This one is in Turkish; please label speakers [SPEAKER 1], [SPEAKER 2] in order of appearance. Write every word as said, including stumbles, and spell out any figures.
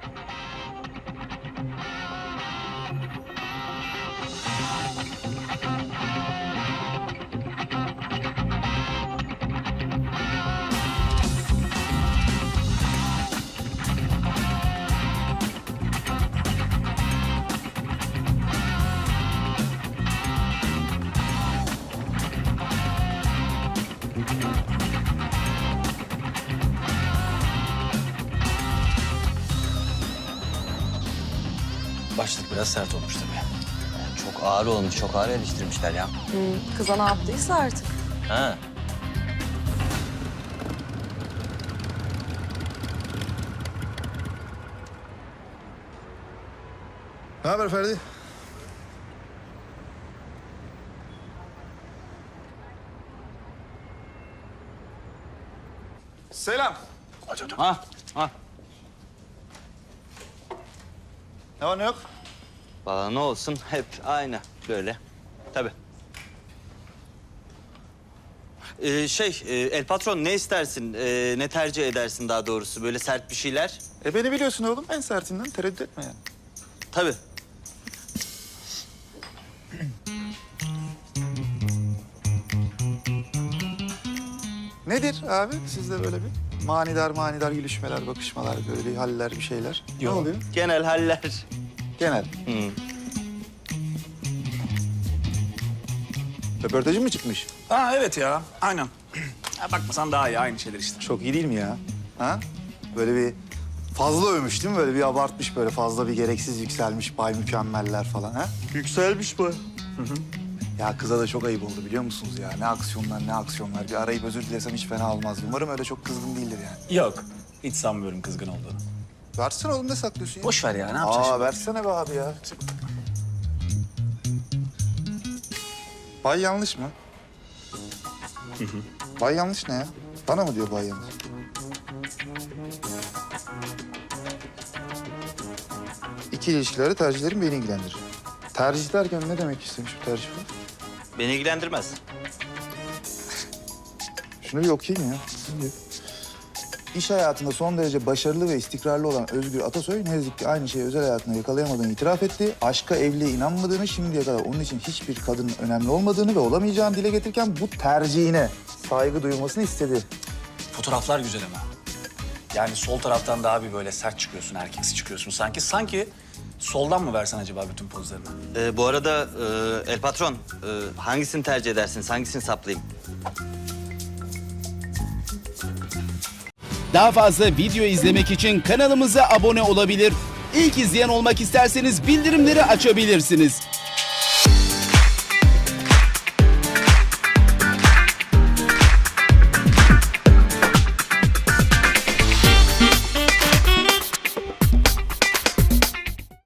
[SPEAKER 1] Başlık biraz sert olmuş tabii.
[SPEAKER 2] Yani çok ağır olmuş, çok ağır eleştirmişler ya.
[SPEAKER 3] Hmm, kıza ne yaptıysa artık.
[SPEAKER 2] Ha.
[SPEAKER 4] Ne haber Ferdi? Selam.
[SPEAKER 2] Ha, ha.
[SPEAKER 4] Ne var ne yok?
[SPEAKER 2] Valla ne olsun, hep aynı böyle. Tabii. Ee, şey, e, El Patron ne istersin, e, ne tercih edersin daha doğrusu? Böyle sert bir şeyler?
[SPEAKER 4] E beni biliyorsun oğlum. En sertinden tereddüt etme yani.
[SPEAKER 2] Tabii.
[SPEAKER 4] Nedir abi sizde böyle bir manidar manidar gülüşmeler, bakışmalar, böyle bir haller, bir şeyler? Ne oluyor?
[SPEAKER 2] Genel haller.
[SPEAKER 4] Genel.
[SPEAKER 2] Hı.
[SPEAKER 4] Röportajın mı çıkmış?
[SPEAKER 1] Ha evet ya, aynen. Ha, bakmasan daha iyi, aynı şeyler işte.
[SPEAKER 4] Çok iyi değil mi ya? Ha? Böyle bir fazla övmüş değil mi? Böyle bir abartmış, böyle fazla bir gereksiz yükselmiş, bay mükemmeller falan ha?
[SPEAKER 2] Yükselmiş bu.
[SPEAKER 4] Hı hı. Ya kıza da çok ayıp oldu biliyor musunuz ya? Ne aksiyonlar, ne aksiyonlar. Bir arayıp özür dilesem hiç fena olmaz. Umarım öyle çok kızgın değildir yani.
[SPEAKER 1] Yok, hiç sanmıyorum kızgın olduğunu.
[SPEAKER 4] Versene oğlum, ne saklıyorsun ya?
[SPEAKER 1] Boş ver ya, ne yapacaksın?
[SPEAKER 4] Aa, versene be abi ya. Bay yanlış mı? Hı hı. Bay yanlış ne ya? Bana mı diyor bay yanlış? İki ilişkileri, tercihlerim beni ilgilendirir. Tercih derken ne demek istemiş bu tercih bu?
[SPEAKER 2] Beni ilgilendirmez.
[SPEAKER 4] Şunu bir okuyayım ya. İş hayatında son derece başarılı ve istikrarlı olan Özgür Atasoy ne yazık ki aynı şeyi özel hayatında yakalayamadığını itiraf etti. Aşka, evliliğe inanmadığını, şimdiye kadar onun için hiçbir kadının önemli olmadığını ve olamayacağını dile getirirken bu tercihine saygı duyulmasını istedi.
[SPEAKER 1] Fotoğraflar güzel ama. Yani sol taraftan daha bir böyle sert çıkıyorsun, erkeksi çıkıyorsun sanki. Sanki soldan mı versen acaba bütün pozlarını?
[SPEAKER 2] Ee, bu arada e, El Patron, e, hangisini tercih edersiniz, hangisini saplayayım?
[SPEAKER 5] Daha fazla video izlemek için kanalımıza abone olabilir. İlk izleyen olmak isterseniz bildirimleri açabilirsiniz.